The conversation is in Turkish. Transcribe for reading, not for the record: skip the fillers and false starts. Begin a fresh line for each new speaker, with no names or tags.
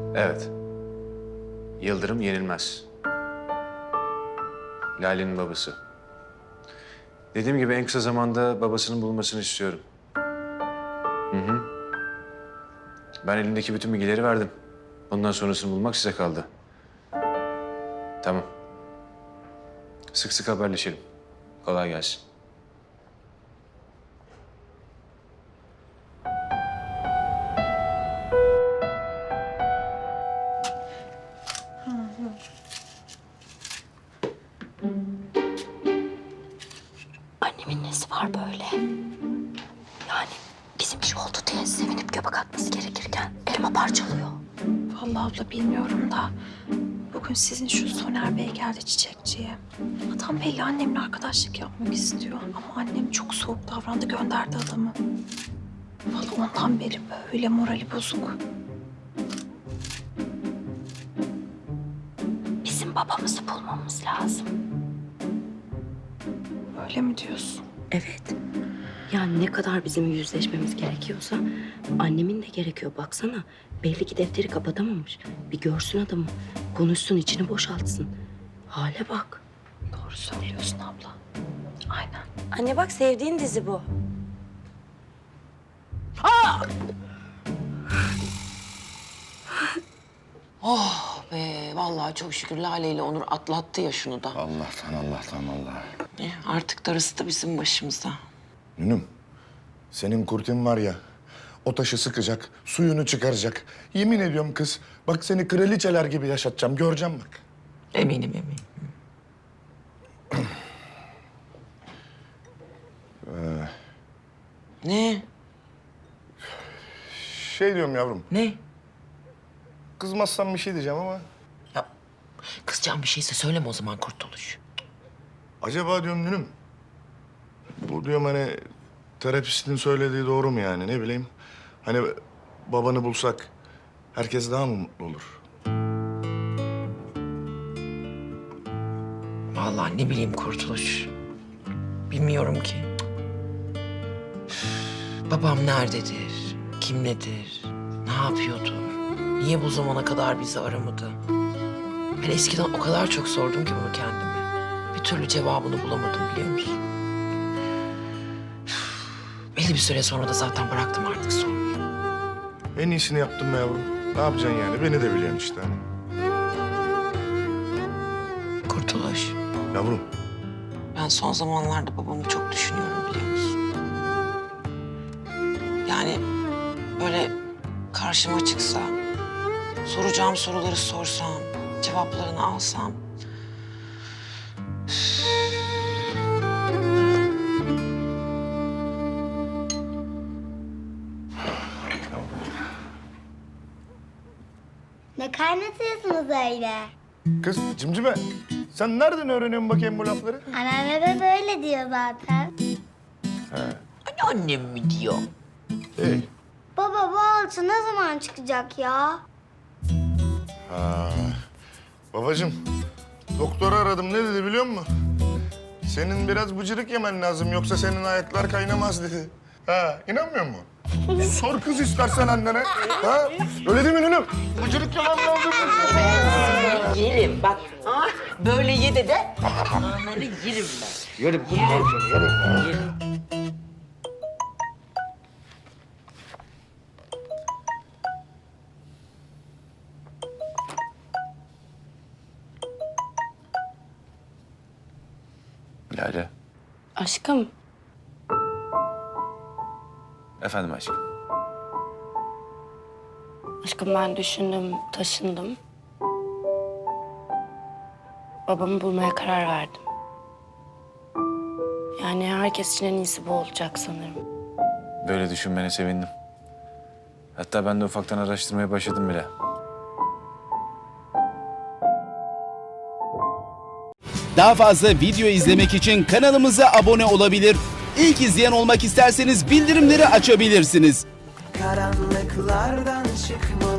Evet. Yıldırım yenilmez. Lale'nin babası. Dediğim gibi en kısa zamanda babasının bulunmasını istiyorum. Hı. Ben elimdeki bütün bilgileri verdim. Bundan sonrasını bulmak size kaldı. Tamam. Sık sık haberleşelim. Kolay gelsin.
Annemin nesi var böyle? Yani bizim iş oldu diye sevinip göbek atması gerekirken elma parçalıyor.
Vallahi abla bilmiyorum da bugün sizin şu Soner Bey geldi çiçekçiye. Adam belli annemle arkadaşlık yapmak istiyor ama annem çok soğuk davrandı, gönderdi adamı. Vallahi ondan beri böyle morali bozuk.
Bizim babamızı bulmamız lazım.
Öyle mi diyorsun?
Evet. Yani ne kadar bizim yüzleşmemiz gerekiyorsa annemin de gerekiyor. Baksana belli ki defteri kapatamamış. Bir görsün adamı. Konuşsun, içini boşaltsın. Hale bak.
Doğru söylüyorsun abla. Aynen.
Anne bak, sevdiğin dizi bu.
Oh be, vallahi çok şükür Lale ile Onur atlattı ya şunu da.
Allah'tan Allah.
Artık darısı da bizim başımıza.
Nünüm, senin kurtin var ya, o taşı sıkacak, suyunu çıkaracak. Yemin ediyorum kız, bak seni kraliçeler gibi yaşatacağım, göreceğim bak.
Eminim. Ne?
Şey diyorum yavrum,
Ne?
kızmazsan bir şey diyeceğim ama...
Ya kızacağım bir şeyse söyleme o zaman Kurtuluş.
Acaba diyorum Nünüm, bu diyorum hani terapistin söylediği doğru mu yani, ne bileyim. Hani babanı bulsak herkes daha mı mutlu olur?
Vallahi ne bileyim Kurtuluş. Bilmiyorum ki. Babam nerededir? Kimledir? Ne yapıyordur? Niye bu zamana kadar bizi aramadı? Ben eskiden o kadar çok sordum ki bunu kendime. Bir türlü cevabını bulamadım, biliyor musun? Belli bir süre sonra da zaten bıraktım artık sormayı.
En iyisini yaptım be yavrum. Ne yapacaksın yani? Beni de biliyorsun işte hani.
Kurtuluş,
Yavrum,
ben son zamanlarda babamı çok düşünüyorum, biliyor musun? Yani böyle karşıma çıksa, soracağım soruları sorsam, cevaplarını alsam...
Ne kaynatıyorsunuz öyle?
kız cimcime, sen nereden öğreniyorsun bakayım bu lafları?
Anneanne de böyle diyor zaten.
Annem mi diyor?
İyi.
Baba bu alçı ne zaman çıkacak ya?
Ha. Babacığım, doktoru aradım. Ne dedi biliyor musun? Senin biraz bıcırık yemen lazım. Yoksa senin ayaklar kaynamaz dedi. Ha, inanmıyor musun? Sor kız istersen annene. Ha? Öyle değil mi Nünüm? Bıcırık yemen lazım.
Yerim bak. Böyle ye de onları yerim ben.
Yerim bunları seni, yerim.
Lale.
Aşkım,
Efendim aşkım.
aşkım ben düşündüm, taşındım. Babamı bulmaya karar verdim. Yani herkes için en iyisi bu olacak sanırım.
Böyle düşünmene sevindim. Hatta ben de ufaktan araştırmaya başladım bile.
Daha fazla video izlemek için kanalımıza abone olabilir. İlk izleyen olmak isterseniz bildirimleri açabilirsiniz.
Karanlıklardan çıkmalı